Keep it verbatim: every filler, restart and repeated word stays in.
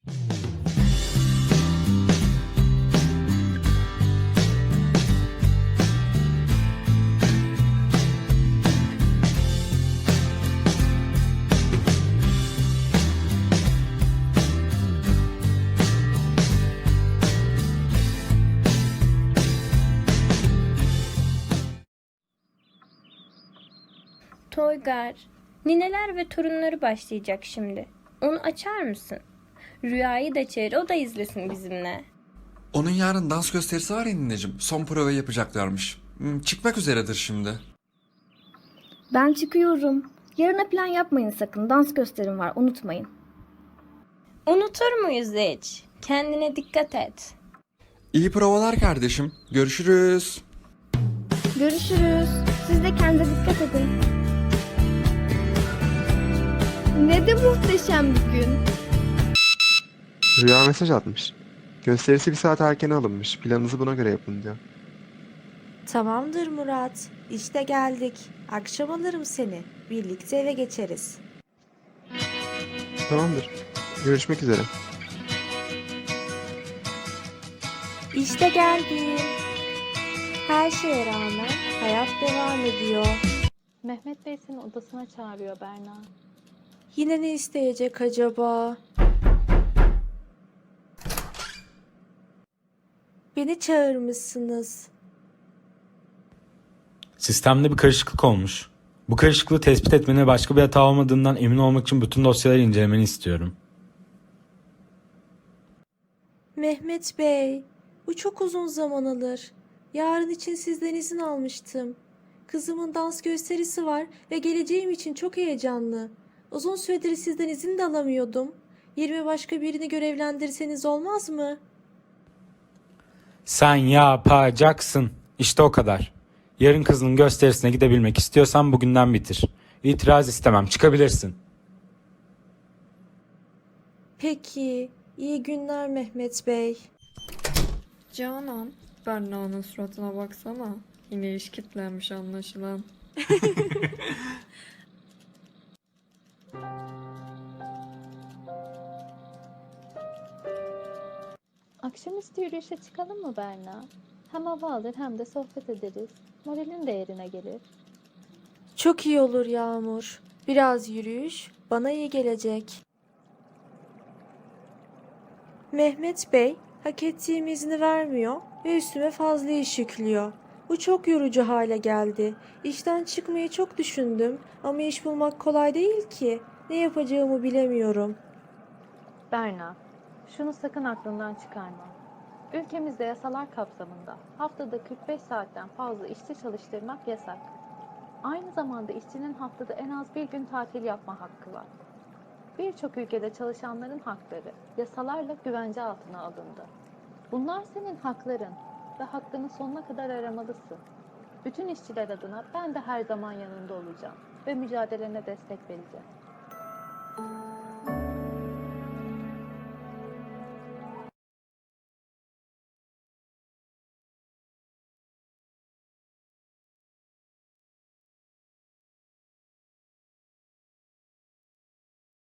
Toygar, nineler ve torunları başlayacak şimdi. Onu açar mısın? Rüyayı da çağır, o da izlesin bizimle. Onun yarın dans gösterisi var ya nineciğim. Son provayı yapacaklarmış. Hmm, Çıkmak üzeredir şimdi. Ben çıkıyorum. Yarına plan yapmayın sakın. Dans gösterim var, unutmayın. Unutur muyuz hiç? Kendine dikkat et. İyi provalar kardeşim. Görüşürüz. Görüşürüz. Siz de kendinize dikkat edin. Ne de muhteşem bir gün. Rüya mesaj atmış. Gösterisi bir saat erken alınmış. Planınızı buna göre yapın diyor. Tamamdır Murat. İşte geldik. Akşam alırım seni. Birlikte eve geçeriz. Tamamdır. Görüşmek üzere. İşte geldim. Her şeye rağmen hayat devam ediyor. Mehmet Bey seni odasına çağırıyor Berna. Yine ne isteyecek acaba? Beni çağırmışsınız. Sistemde bir karışıklık olmuş. Bu karışıklığı tespit etmene başka bir hata olmadığından emin olmak için bütün dosyaları incelemeni istiyorum. Mehmet Bey, bu çok uzun zaman alır. Yarın için sizden izin almıştım. Kızımın dans gösterisi var ve geleceğim için çok heyecanlı. Uzun süredir sizden izin de alamıyordum. Yerime başka birini görevlendirseniz olmaz mı? Sen yapacaksın. İşte o kadar. Yarın kızının gösterisine gidebilmek istiyorsan bugünden bitir. İtiraz istemem. Çıkabilirsin. Peki, iyi günler Mehmet Bey. Canan, Berna'nın suratına baksana. Yine iş kitlenmiş anlaşılan. Akşamüstü yürüyüşe çıkalım mı Berna? Hem hava alır hem de sohbet ederiz. Moralin de yerine gelir. Çok iyi olur Yağmur. Biraz yürüyüş bana iyi gelecek. Mehmet Bey, hak ettiğim izni vermiyor ve üstüme fazla iş yüklüyor. Bu çok yorucu hale geldi. İşten çıkmayı çok düşündüm ama iş bulmak kolay değil ki. Ne yapacağımı bilemiyorum. Berna, şunu sakın aklından çıkarma. Ülkemizde yasalar kapsamında haftada kırk beş saatten fazla işçi çalıştırmak yasak. Aynı zamanda işçinin haftada en az bir gün tatil yapma hakkı var. Birçok ülkede çalışanların hakları yasalarla güvence altına alındı. Bunlar senin hakların ve hakkını sonuna kadar aramalısın. Bütün işçiler adına ben de her zaman yanında olacağım ve mücadelene destek vereceğim.